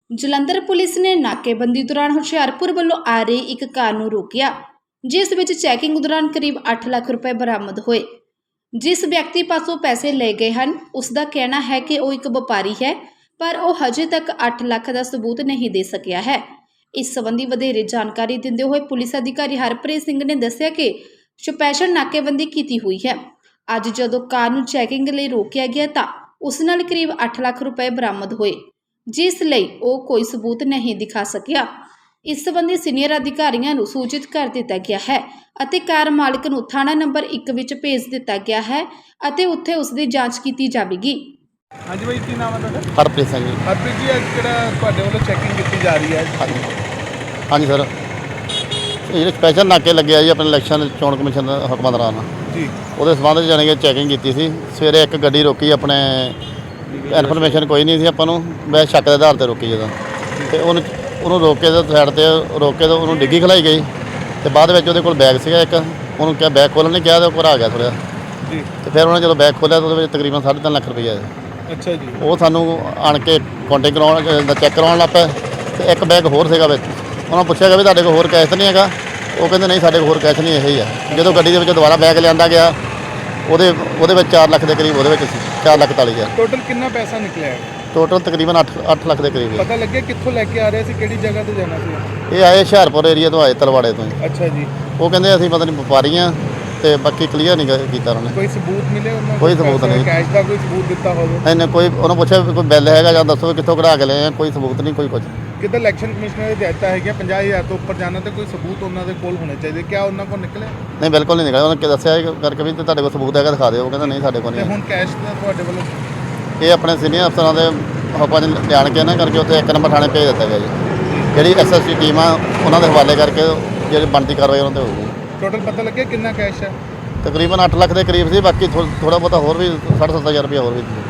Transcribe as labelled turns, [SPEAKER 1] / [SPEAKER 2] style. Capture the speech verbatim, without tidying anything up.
[SPEAKER 1] Jalandhar police ਨੇ ਨਾਕੇਬੰਦੀ ਦੌਰਾਨ ਹੁਸ਼ਿਆਰਪੁਰ ਵੱਲੋਂ ਆ ਰਹੀ ਇੱਕ ਕਾਰ ਨੂੰ ਰੋਕਿਆ, ਜਿਸ ਵਿੱਚ ਚੈਕਿੰਗ ਦੌਰਾਨ ਕਰੀਬ ਅੱਠ ਲੱਖ ਰੁਪਏ ਬਰਾਮਦ ਹੋਏ। ਜਿਸ ਵਿਅਕਤੀ ਪਾਸੋਂ ਪੈਸੇ ਲਏ ਗਏ ਹਨ, ਉਸ ਦਾ ਕਹਿਣਾ ਹੈ ਕਿ ਉਹ ਇੱਕ ਵਪਾਰੀ ਹੈ, ਪਰ ਉਹ ਹਜੇ ਤੱਕ ਅੱਠ ਲੱਖ ਦਾ ਸਬੂਤ ਨਹੀਂ ਦੇ ਸਕਿਆ ਹੈ। ਇਸ ਸੰਬੰਧੀ ਵਧੇਰੇ ਜਾਣਕਾਰੀ ਦਿੰਦੇ ਹੋਏ ਪੁਲਿਸ ਅਧਿਕਾਰੀ ਹਰਪ੍ਰੀਤ ਸਿੰਘ ਨੇ ਦੱਸਿਆ ਕਿ ਸਪੈਸ਼ਲ ਨਾਕੇਬੰਦੀ ਕੀਤੀ ਹੋਈ ਹੈ। ਅੱਜ ਜਦੋਂ ਕਾਰ ਨੂੰ ਚੈਕਿੰਗ ਲਈ ਰੋਕਿਆ ਗਿਆ ਤਾਂ ਉਸ ਨਾਲ ਕਰੀਬ ਅੱਠ ਲੱਖ ਰੁਪਏ ਬਰਾਮਦ ਹੋਏ, ਜਿਸ ਲਈ ਉਹ ਕੋਈ ਸਬੂਤ ਨਹੀਂ ਦਿਖਾ ਸਕਿਆ। ਇਸ ਸੰਬੰਧੀ ਸੀਨੀਅਰ ਅਧਿਕਾਰੀਆਂ ਨੂੰ ਸੂਚਿਤ ਕਰ ਦਿੱਤਾ ਗਿਆ ਹੈ ਅਤੇ ਕਾਰ ਮਾਲਕ ਨੂੰ ਥਾਣਾ ਨੰਬਰ ਇੱਕ ਵਿੱਚ ਭੇਜ ਦਿੱਤਾ ਗਿਆ ਹੈ ਅਤੇ ਉੱਥੇ ਉਸ ਦੀ ਜਾਂਚ ਕੀਤੀ ਜਾਵੇਗੀ।
[SPEAKER 2] ਹਾਂਜੀ ਭਾਈ, ਕੀ ਨਾਮ ਹੈ ਤੁਹਾਡਾ?
[SPEAKER 3] ਹਰਪ੍ਰੀਤ ਸਿੰਘ ਜੀ।
[SPEAKER 2] ਹਰਪ੍ਰੀਤ ਜੀ, ਅੱਜ ਜਿਹੜਾ ਤੁਹਾਡੇ ਵੱਲੋਂ ਚੈਕਿੰਗ ਕੀਤੀ ਜਾ ਰਹੀ ਹੈ?
[SPEAKER 3] ਹਾਂਜੀ ਹਾਂਜੀ ਸਰ, ਇਹ ਜਿਹੜੇ ਸਪੈਸ਼ਲ ਨਾਕੇ ਲੱਗੇ ਆ ਜੀ ਆਪਣੇ ਇਲੈਕਸ਼ਨ ਚੋਣ ਕਮਿਸ਼ਨ ਦੇ ਹੁਕਮਾਂ ਦੌਰਾਨ
[SPEAKER 2] ਜੀ,
[SPEAKER 3] ਉਹਦੇ ਸੰਬੰਧ 'ਚ ਜਾਣੀ ਕਿ ਚੈਕਿੰਗ ਕੀਤੀ ਸੀ। ਸਵੇਰੇ ਇੱਕ ਗੱਡੀ ਰੋਕੀ, ਆਪਣੇ ਇਨਫੋਰਮੇਸ਼ਨ ਕੋਈ ਨਹੀਂ ਸੀ ਆਪਾਂ ਨੂੰ, ਵੈਸੇ ਸ਼ੱਕ ਦੇ ਆਧਾਰ 'ਤੇ ਰੋਕੀ ਜਦੋਂ, ਅਤੇ ਉਹਨੂੰ ਉਹਨੂੰ ਰੋਕ ਕੇ ਸਾਈਡ 'ਤੇ ਰੋਕ ਕੇ ਉਹਨੂੰ ਡਿੱਗੀ ਖਲਾਈ ਗਈ, ਅਤੇ ਬਾਅਦ ਵਿੱਚ ਉਹਦੇ ਕੋਲ ਬੈਗ ਸੀਗਾ ਇੱਕ, ਉਹਨੂੰ ਕਿਹਾ ਬੈਗ ਖੋਲ੍ਹਣ ਨੇ ਕਿਹਾ, ਤਾਂ ਉਹ ਘਰ ਆ ਗਿਆ ਥੋੜ੍ਹਾ
[SPEAKER 2] ਜੀ,
[SPEAKER 3] ਅਤੇ ਫਿਰ ਉਹਨੇ ਜਦੋਂ ਬੈਗ ਖੋਲ੍ਹਿਆ ਤਾਂ ਉਹਦੇ ਵਿੱਚ ਤਕਰੀਬਨ ਸਾਢੇ ਤਿੰਨ ਲੱਖ ਰੁਪਈਆ ਹੈ।
[SPEAKER 2] ਅੱਛਾ ਜੀ।
[SPEAKER 3] ਉਹ ਸਾਨੂੰ ਆਣ ਕੇ ਕਾਂਟੈਕਟ ਕਰਾਉਣ ਦਾ ਚੈੱਕ ਕਰਵਾਉਣ ਲੱਗ ਪਏ, ਅਤੇ ਇੱਕ ਬੈਗ ਹੋਰ ਸੀਗਾ ਵਿੱਚ। ਉਹਨਾਂ ਪੁੱਛਿਆ ਗਿਆ ਵੀ ਤੁਹਾਡੇ ਕੋਲ ਹੋਰ ਕੈਸ਼ ਤਾਂ ਨਹੀਂ ਹੈਗਾ? ਉਹ ਕਹਿੰਦੇ ਨਹੀਂ, ਸਾਡੇ ਕੋਲ ਹੋਰ ਕੈਸ਼ ਨਹੀਂ, ਇਹ ਹੀ ਆ। ਜਦੋਂ ਗੱਡੀ ਦੇ ਵਿੱਚ ਦੁਬਾਰਾ ਬੈਗ ਲਿਆਂਦਾ ਗਿਆ, ਉਹਦੇ ਉਹਦੇ ਵਿੱਚ ਚਾਰ ਲੱਖ ਦੇ ਕਰੀਬ ਉਹਦੇ ਵਿੱਚ ਸੀ, ਚਾਰ ਲੱਖ ਚਾਲੀ ਹਜ਼ਾਰ।
[SPEAKER 2] ਟੋਟਲ ਕਿੰਨਾ ਪੈਸਾ ਨਿਕਲਿਆ ਹੈ?
[SPEAKER 3] ਟੋਟਲ ਤਕਰੀਬਨ ਅੱਠ ਅੱਠ ਲੱਖ ਦੇ ਕਰੀਬ ਹੈ।
[SPEAKER 2] ਪਤਾ ਲੱਗਿਆ ਕਿੱਥੋਂ ਲੈ ਕੇ ਆ ਰਹੇ ਸੀ, ਕਿਹੜੀ ਜਗ੍ਹਾ ਤੇ ਜਾਣਾ ਸੀ?
[SPEAKER 3] ਇਹ ਆਏ ਹੁਸ਼ਿਆਰਪੁਰ ਏਰੀਆ ਤੋਂ, ਆਏ ਤਲਵਾੜੇ ਤੋਂ ਹੀ।
[SPEAKER 2] ਅੱਛਾ ਜੀ।
[SPEAKER 3] ਉਹ ਕਹਿੰਦੇ ਅਸੀਂ ਪਤਾ ਨਹੀਂ ਵਪਾਰੀ ਹਾਂ, ਅਤੇ ਬਾਕੀ ਕਲੀਅਰ ਨਹੀਂ ਕ- ਕੀਤਾ ਉਹਨਾਂ ਨੇ।
[SPEAKER 2] ਕੋਈ ਸਬੂਤ ਮਿਲੇ ਉਹਨਾਂ ਨੂੰ?
[SPEAKER 3] ਕੋਈ ਸਬੂਤ ਨਹੀਂ।
[SPEAKER 2] ਕੈਸ਼ ਦਾ ਕੋਈ ਸਬੂਤ ਦਿੱਤਾ ਹੋਵੇ?
[SPEAKER 3] ਇਹਨੇ ਕੋਈ ਉਹਨੂੰ ਪੁੱਛਿਆ ਵੀ ਕੋਈ ਬਿੱਲ ਹੈਗਾ ਜਾਂ ਦੱਸੋ ਵੀ ਕਿੱਥੋਂ ਕਢਾ ਕੇ ਲਏ ਆ, ਕੋਈ ਸਬੂਤ ਨਹੀਂ, ਕੋਈ ਕੁਝ।
[SPEAKER 2] ਕਿੱਦਾਂ ਇਲੈਕਸ਼ਨ ਕਮਿਸ਼ਨਰ ਦੀ ਹਦਾਇਤਾਂ ਹੈਗੀਆਂ ਪੰਜਾਹ ਹਜ਼ਾਰ ਤੋਂ ਉੱਪਰ ਜਾਣਾ ਤੇ ਕੋਈ ਸਬੂਤ ਉਹਨਾਂ ਦੇ ਕੋਲ ਹੋਣੇ ਚਾਹੀਦੇ, ਕਿਆ ਉਹਨਾਂ ਕੋਲ ਨਿਕਲੇ?
[SPEAKER 3] ਨਹੀਂ, ਬਿਲਕੁਲ ਨਹੀਂ ਨਿਕਲਿਆ। ਉਹਨੇ ਦੱਸਿਆ ਇਹ ਕਰਕੇ ਵੀ ਤੁਹਾਡੇ ਕੋਲ ਸਬੂਤ ਹੈਗਾ ਦਿਖਾ ਦਿਓ, ਉਹ ਕਹਿੰਦਾ ਨਹੀਂ ਸਾਡੇ ਕੋਲ
[SPEAKER 2] ਤੇ
[SPEAKER 3] ਨਹੀਂ।
[SPEAKER 2] ਹੁਣ ਕੈਸ਼ ਦਾ ਤੁਹਾਡੇ ਵੱਲੋਂ?
[SPEAKER 3] ਇਹ ਆਪਣੇ ਸੀਨੀਅਰ ਅਫਸਰਾਂ ਦੇ ਹੁਕਮਾਂ 'ਚ ਜਾਣ ਕੇ ਨਾ ਕਰਕੇ ਉੱਥੇ ਇੱਕ ਨੰਬਰ ਥਾਣੇ ਭੇਜ ਦਿੱਤਾ ਗਿਆ ਜੀ। ਜਿਹੜੀ ਐਸ ਐਸ ਟੀ ਟੀਮ ਆ ਉਹਨਾਂ ਦੇ ਹਵਾਲੇ ਕਰਕੇ ਜਿਹੜੀ ਬਣਦੀ ਕਾਰਵਾਈ ਉਹਨਾਂ 'ਤੇ ਹੋਊਗੀ।
[SPEAKER 2] ਟੋਟਲ ਪਤਾ ਲੱਗਿਆ ਕਿੰਨਾ ਕੈਸ਼ ਹੈ?
[SPEAKER 3] ਤਕਰੀਬਨ ਅੱਠ ਲੱਖ ਦੇ ਕਰੀਬ ਸੀ, ਬਾਕੀ ਥੋੜ੍ਹਾ ਬਹੁਤਾ ਹੋਰ ਵੀ ਸਾਢੇ ਸੱਤ ਹਜ਼ਾਰ ਰੁਪਇਆ ਹੋਰ ਵੀ